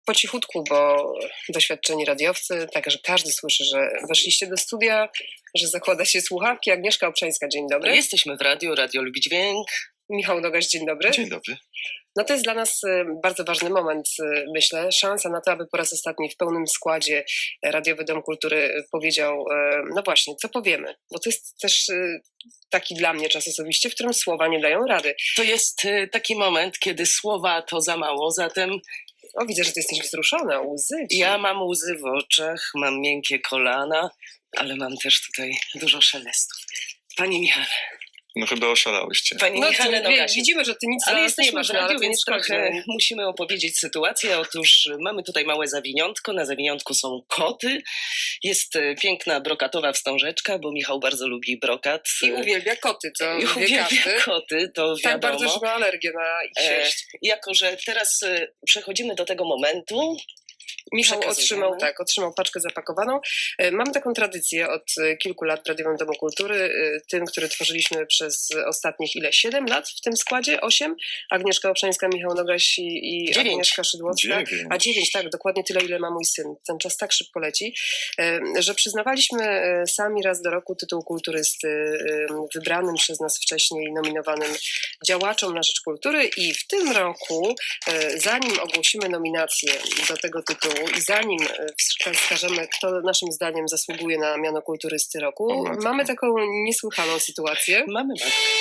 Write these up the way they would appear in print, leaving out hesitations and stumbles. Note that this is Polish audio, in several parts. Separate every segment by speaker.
Speaker 1: po cichutku, bo doświadczeni radiowcy, tak, że każdy słyszy, że weszliście do studia, że zakłada się słuchawki. Agnieszka Obszańska, dzień dobry.
Speaker 2: Jesteśmy w radiu, radio lubi dźwięk.
Speaker 1: Michał Nogaś, dzień dobry.
Speaker 3: Dzień dobry.
Speaker 1: No to jest dla nas bardzo ważny moment, myślę. Szansa na to, aby po raz ostatni w pełnym składzie Radiowy Dom Kultury powiedział, no właśnie, co powiemy. Bo to jest też taki dla mnie czas osobiście, w którym słowa nie dają rady.
Speaker 2: To jest taki moment, kiedy słowa to za mało, zatem
Speaker 1: O, widzę, że ty jesteś wzruszona, łzy ci.
Speaker 2: ja mam łzy w oczach, mam miękkie kolana, ale mam też tutaj dużo szelestów. Panie Michale,
Speaker 3: No chyba oszalałyście.
Speaker 2: Panie Michale Nogasiu.
Speaker 1: widzimy, że ty nic
Speaker 2: Ale
Speaker 1: dla nas nie
Speaker 2: jesteśmy
Speaker 1: masz,
Speaker 2: w
Speaker 1: no, ale
Speaker 2: radiu,
Speaker 1: to nie
Speaker 2: więc
Speaker 1: szkodzi.
Speaker 2: trochę musimy opowiedzieć sytuację. Otóż mamy tutaj małe zawiniątko, na zawiniątku są koty. Jest piękna brokatowa wstążeczka, bo Michał bardzo lubi brokat.
Speaker 1: I uwielbia koty, co
Speaker 2: I
Speaker 1: wie
Speaker 2: uwielbia
Speaker 1: każdy.
Speaker 2: koty, to
Speaker 1: Tak
Speaker 2: wiadomo.
Speaker 1: bardzo, że ma alergię na ich sierść.
Speaker 2: Jako że teraz przechodzimy do tego momentu.
Speaker 1: Michał
Speaker 2: Przekazujemy.
Speaker 1: otrzymał paczkę zapakowaną. Mamy taką tradycję od kilku lat w Radiowym Domu Kultury, tym, który tworzyliśmy przez ostatnich 7 lat w tym składzie? 8? Agnieszka Obszańska, Michał Nogaś i
Speaker 2: 9.
Speaker 1: Agnieszka Szydłowska.
Speaker 3: 9.
Speaker 1: A 9, tak, dokładnie tyle, ile ma mój syn. Ten czas tak szybko leci, że przyznawaliśmy sami raz do roku tytuł kulturysty wybranym przez nas wcześniej nominowanym działaczom na rzecz kultury i w tym roku, zanim ogłosimy nominację do tego tytułu i zanim wskażemy, kto naszym zdaniem zasługuje na miano kulturysty roku,
Speaker 3: O matko.
Speaker 1: mamy taką niesłychaną sytuację.
Speaker 2: Mamy.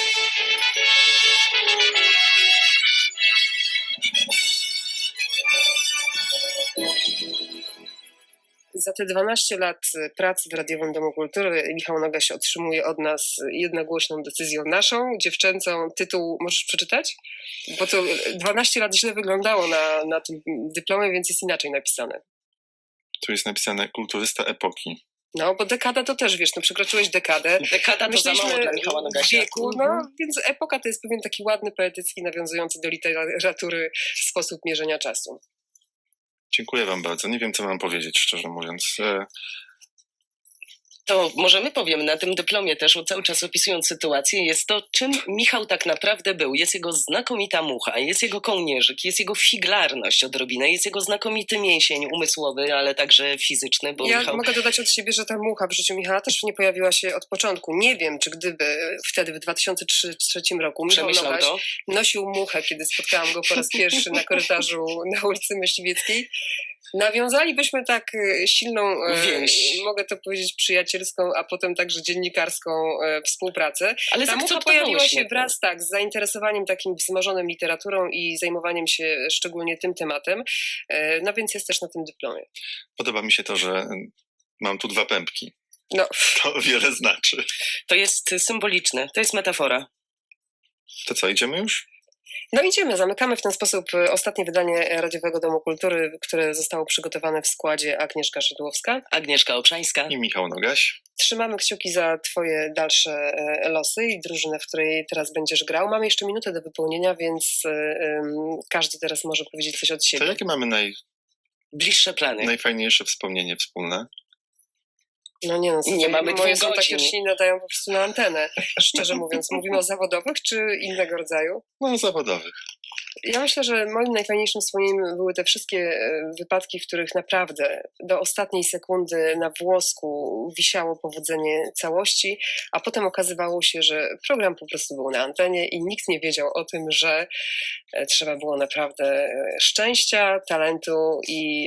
Speaker 1: Za te 12 lat pracy w Radiowym Domu Kultury Michał Nogaś otrzymuje od nas jednogłośną decyzją naszą, dziewczęcą. Tytuł możesz przeczytać? Bo to 12 lat źle wyglądało na tym dyplomie, więc jest inaczej napisane.
Speaker 3: Tu jest napisane kulturysta epoki.
Speaker 1: No, bo dekada to też, wiesz, no przekroczyłeś dekadę.
Speaker 2: Dekada to za mało dla Michała
Speaker 1: w
Speaker 2: Nogasia.
Speaker 1: wieku, no, więc epoka to jest pewien taki ładny, poetycki, nawiązujący do literatury sposób mierzenia czasu.
Speaker 3: Dziękuję wam bardzo. Nie wiem, co mam powiedzieć, szczerze mówiąc.
Speaker 2: To możemy powiem na tym dyplomie też, cały czas opisując sytuację, jest to, czym Michał tak naprawdę był. Jest jego znakomita mucha, jest jego kołnierzyk, jest jego figlarność odrobinę, jest jego znakomity mięsień umysłowy, ale także fizyczny, bo
Speaker 1: Ja
Speaker 2: Michał...
Speaker 1: mogę dodać od siebie, że ta mucha w życiu Michała też nie pojawiła się od początku. Nie wiem, czy gdyby wtedy w 2003 roku Michał
Speaker 2: Przemyślał
Speaker 1: Nogaś
Speaker 2: to.
Speaker 1: nosił muchę, kiedy spotkałam go po raz pierwszy na korytarzu na ulicy Myśliwieckiej, nawiązalibyśmy tak silną,
Speaker 2: Więź.
Speaker 1: mogę to powiedzieć, przyjacielską, a potem także dziennikarską współpracę.
Speaker 2: Ale
Speaker 1: Ta mucha pojawiła się
Speaker 2: zaakceptowałyśmy to.
Speaker 1: wraz z zainteresowaniem takim wzmożonym literaturą i zajmowaniem się szczególnie tym tematem. No więc jest też na tym dyplomie.
Speaker 3: Podoba mi się to, że mam tu 2 pępki.
Speaker 1: No,
Speaker 3: To wiele znaczy.
Speaker 2: To jest symboliczne, to jest metafora.
Speaker 3: To co, idziemy już?
Speaker 1: no idziemy, zamykamy w ten sposób ostatnie wydanie Radiowego Domu Kultury, które zostało przygotowane w składzie Agnieszka Szydłowska.
Speaker 2: Agnieszka Obszańska.
Speaker 3: I Michał Nogaś.
Speaker 1: Trzymamy kciuki za twoje dalsze losy i drużynę, w której teraz będziesz grał. Mamy jeszcze minutę do wypełnienia, więc każdy teraz może powiedzieć coś od
Speaker 3: To
Speaker 1: siebie.
Speaker 3: jakie mamy
Speaker 2: Bliższe plany.
Speaker 3: najfajniejsze wspomnienie wspólne?
Speaker 1: No nie, no,
Speaker 2: Nie mamy
Speaker 1: moje
Speaker 2: 2
Speaker 1: są takie,
Speaker 2: godzin.
Speaker 1: że się nie nadają po prostu na antenę. Szczerze mówiąc, mówimy o zawodowych czy innego rodzaju?
Speaker 3: No, zawodowych.
Speaker 1: Ja myślę, że moim najfajniejszym wspomnieniem były te wszystkie wypadki, w których naprawdę do ostatniej sekundy na włosku wisiało powodzenie całości, a potem okazywało się, że program po prostu był na antenie i nikt nie wiedział o tym, że trzeba było naprawdę szczęścia, talentu i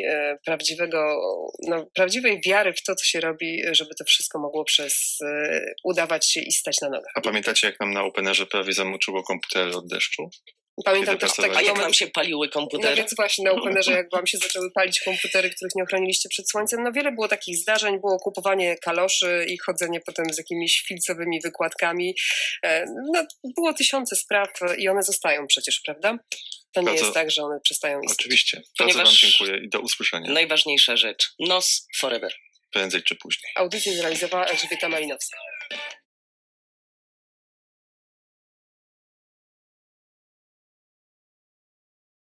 Speaker 1: prawdziwej wiary w to, co się robi, żeby to wszystko mogło udawać się i stać na nogach.
Speaker 3: A pamiętacie, jak nam na Openerze prawie zamoczyło komputery od deszczu?
Speaker 1: Pamiętam
Speaker 3: Kiedy
Speaker 1: też taki
Speaker 2: A jak
Speaker 1: moment,
Speaker 2: nam się paliły
Speaker 1: no
Speaker 2: komputery?
Speaker 1: więc właśnie na Openerze, jak wam się zaczęły palić komputery, których nie ochroniliście przed słońcem, no wiele było takich zdarzeń, było kupowanie kaloszy i chodzenie potem z jakimiś filcowymi wykładkami. No, było tysiące spraw i one zostają przecież, prawda? To nie
Speaker 3: Bardzo-
Speaker 1: jest tak, że one przestają istnieć.
Speaker 3: Oczywiście. Bardzo
Speaker 2: Ponieważ-
Speaker 3: wam dziękuję i do usłyszenia.
Speaker 2: Najważniejsza rzecz. Nos forever.
Speaker 3: Prędzej czy później.
Speaker 1: Audycję zrealizowała Elżbieta Malinowska.